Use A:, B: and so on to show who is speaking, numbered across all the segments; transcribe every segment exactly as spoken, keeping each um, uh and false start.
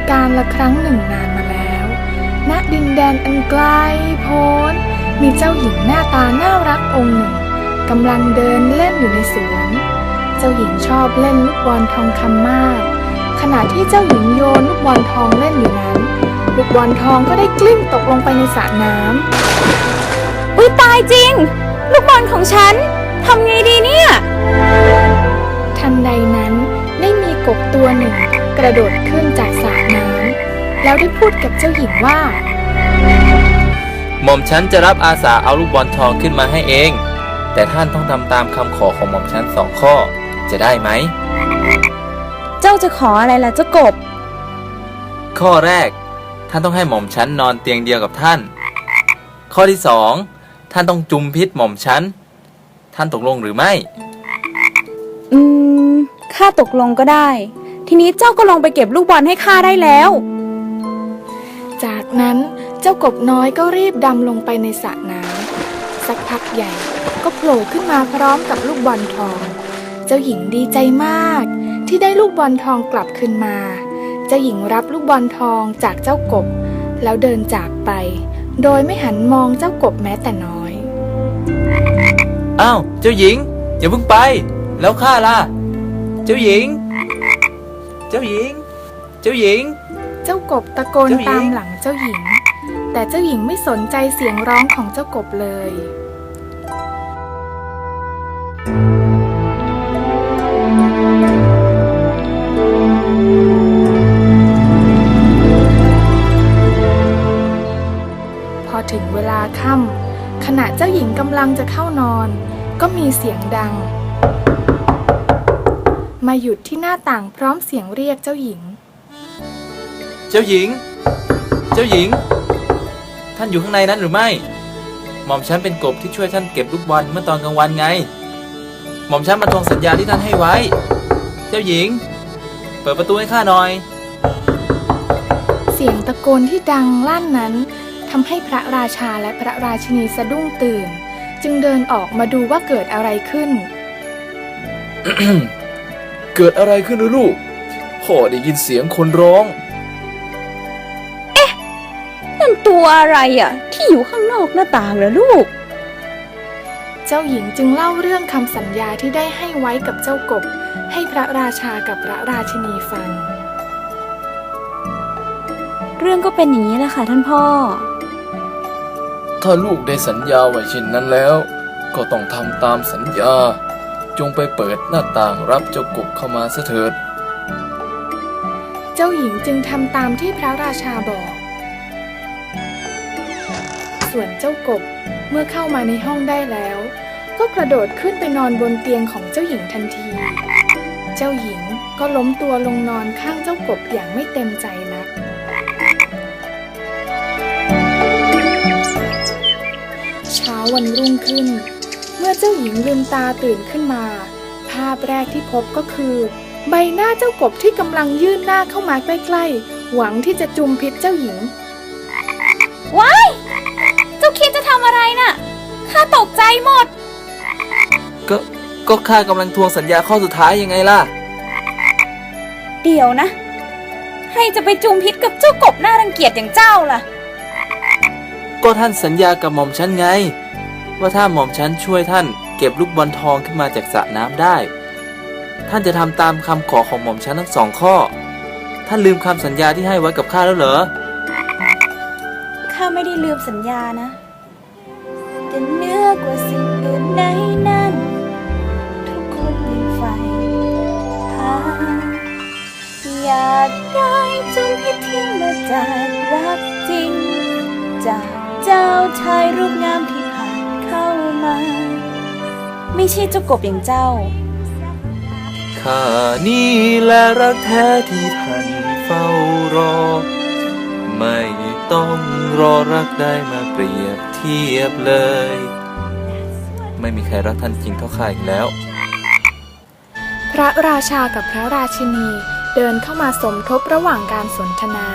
A: การละครั้งหนึ่งนานมาแล้วณดินแดนอันไกลโพ้นมีเจ้าหญิงหน้าตาน่ารักองค์หนึ่งกำลังเดินเล่นอยู่ในสวนเจ้าหญิงชอบเล่นลูกบอลทองคำมากขณะที่เจ้าหญิงโยนลูกบอลทองเล่นอยู่นั้นลูกบอลทองก็ได้กลิ้งตกลงไปในสระน้ำ
B: อุ๊ยตายจริงลูกบอลของฉันทำไงดีเนี่ย
A: ทันใดนั้นได้มีกบตัวหนึ่งกระโดดขึ้นจากสระน้ำแล้วได้พูดกับเจ้าหญิงว่า
C: หม่อมฉันจะรับอาสาเอาลูกบอลทองขึ้นมาให้เองแต่ท่านต้องทำตามคำขอของหม่อมฉันสองข้อจะได้ไหม
B: เจ้าจะขออะไรล่ะเจ้ากบ
C: ข้อแรกท่านต้องให้หม่อมฉันนอนเตียงเดียวกับท่านข้อที่สองท่านต้องจุมพิษหม่อมฉันท่านตกลงหรือไม่
B: อืมข้าตกลงก็ได้ทีนี้เจ้าก็ลงไปเก็บลูกบอลให้ข้าได้แล้ว
A: จากนั้นเจ้ากบน้อยก็รีบดำลงไปในสระน้ำสักพักใหญ่ก็โผล่ขึ้นมาพร้อมกับลูกบอลทองเจ้าหญิงดีใจมากที่ได้ลูกบอลทองกลับคืนมาเจ้าหญิงรับลูกบอลทองจากเจ้ากบแล้วเดินจากไปโดยไม่หันมองเจ้ากบแม้แต่น้อย
C: อ้าวเจ้าหญิงอย่าเพิ่งไปแล้วข้าล่ะเจ้าหญิงเจ้าหญิงเจ้าหญิง
A: เจ้ากบตะโกนตามหลังเจ้าหญิงแต่เจ้าหญิงไม่สนใจเสียงร้องของเจ้ากบเลยพอถึงเวลาค่ำขณะเจ้าหญิงกำลังจะเข้านอนก็มีเสียงดังมาหยุดที่หน้าต่างพร้อมเสียงเรียกเจ้าหญิง
C: เจ้าหญิงเจ้าหญิงท่านอยู่ข้างในนั้นหรือไม่หม่อมฉันเป็นกบที่ช่วยท่านเก็บลูกบอลเมื่อตอนกลางวันไงหม่อมฉันมาทวงสัญญาที่ท่านให้ไว้เจ้าหญิงเปิดประตูให้ข้าหน่อย
A: เสียงตะโกนที่ดังลั่นนั้นทำให้พระราชาและพระราชินีสะดุ้งตื่นจึงเดินออกมาดูว่าเกิดอะไรขึ้น
D: เกิดอะไรขึ้นลูกพ่อได้ยินเสียงคนร้อง
B: เอ๊ะนั่นตัวอะไรอ่ะที่อยู่ข้างนอกหน้าต่างเหรอลูก
A: เจ้าหญิงจึงเล่าเรื่องคำสัญญาที่ได้ให้ไว้กับเจ้ากบให้พระราชากับพระราชินีฟัง
B: เรื่องก็เป็นอย่างนี้แหละค่ะท่านพ่อ
D: ถ้าลูกได้สัญญาไว้เช่นนั้นแล้วก็ต้องทำตามสัญญาจงไปเปิดหน้าต่างรับเจ้ากบเข้ามาเถิด
A: เจ้าหญิงจึงทำตามที่พระราชาบอกส่วนเจ้ากบเมื่อเข้ามาในห้องได้แล้วก็กระโดดขึ้นไปนอนบนเตียงของเจ้าหญิงทันทีเจ้าหญิงก็ล้มตัวลงนอนข้างเจ้ากบอย่างไม่เต็มใจนักเช้าวันรุ่งขึ้นเมื่อเจ้าหญิงลืมตาตื่นขึ้นมาภาพแรกที่พบก็คือใบหน้าเจ้ากบที่กำลังยื่นหน้าเข้ามาใกล้ๆหวังที่จะจุมพิษเจ้าหญิง
B: ว้ายเจ้าคิดจะทำอะไรน่ะข้าตกใจหมด
C: ก็ก็ข้ากำลังทวงสัญญาข้อสุดท้ายยังไงล่ะ
B: เดี๋ยวนะให้จะไปจุมพิษกับเจ้ากบน่ารังเกียจอย่างเจ้าล่ะ
C: ก็ท่านสัญญากับหม่อมฉันไงว่าถ้าหม่อมฉันช่วยท่านเก็บลูกบอลทองขึ้นมาจากสระน้ำได้ท่านจะทำตามคำขอของหม่อมฉันทั้งสองข้อท่านลืมคำสัญญาที่ให้ไว้กับข้าแล้วเหรอ
B: ข้าไม่ได้ลืมสัญญานะแต่เหนือกว่าสิ่งอื่นใดนั้นทุกคนยังใฝ่หาอยากได้จุมพิษที่มาจากรักจริงจากเจ้าชายรูปงามที่ผ่านเข้ามาไม่ใช่เจ้ากบอย่างเจ้า
C: ข้านี่แหละรักแท้ที่ท่านเฝ้ารอไม่ต้องรอรักได้มาเปรียบเทียบเลยไม่มีใครรักท่านจริงเท่าข้าอีกแล้ว
A: พระราชากับพระราชินีเดินเข้ามาสมทบระหว่างการสนทนา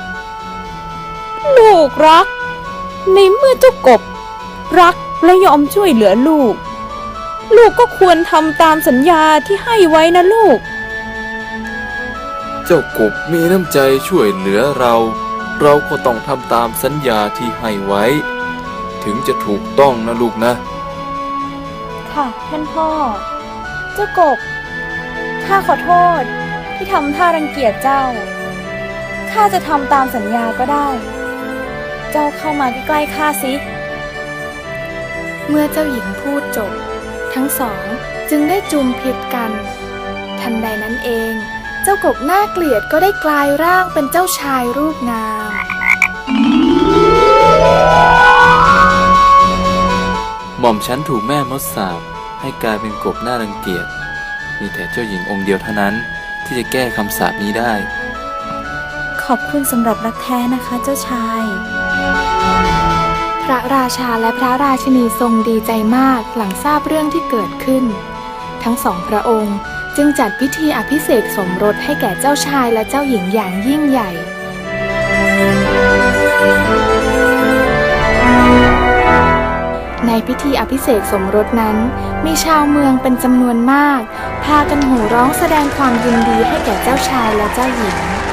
B: ลูกรักในเมื่อเจ้ากบรักและยอมช่วยเหลือลูกลูกก็ควรทำตามสัญญาที่ให้ไว้นะลูก
D: เจ้ากบมีน้ำใจช่วยเหลือเรา เราก็ต้องทำตามสัญญาที่ให้ไว้ ถึงจะถูกต้องนะลูกนะ
B: ค่ะท่านพ่อ เจ้ากบ ข้าขอโทษที่ทำท่ารังเกียจเจ้า ข้าจะทำตามสัญญาก็ได้ เจ้าเข้ามาใกล้ๆข้าสิ
A: เมื่อเจ้าหญิงพูดจบ ทั้งสองจึงได้จูงพิษกัน ทันใดนั้นเอง เจ้ากบน่าเกลียดก็ได้กลายร่างเป็นเจ้าชายรูปงาม
C: หม่อมฉันถูกแม่มดสาปให้กลายเป็นกบน่ารังเกียจ มีแต่เจ้าหญิงองค์เดียวเท่านั้นที่จะแก้คำสาปนี้ได้
B: ขอบคุณสำหรับรักแท้นะคะเจ้าชาย
A: พระราชาและพระราชินีทรงดีใจมากหลังทราบเรื่องที่เกิดขึ้น ทั้งสองพระองค์จึงจัดพิธีอภิเษกสมรสให้แก่เจ้าชายและเจ้าหญิงอย่างยิ่งใหญ่ ในพิธีอภิเษกสมรสนั้นมีชาวเมืองเป็นจำนวนมาก พากันโห่ร้องแสดงความยินดีให้แก่เจ้าชายและเจ้าหญิง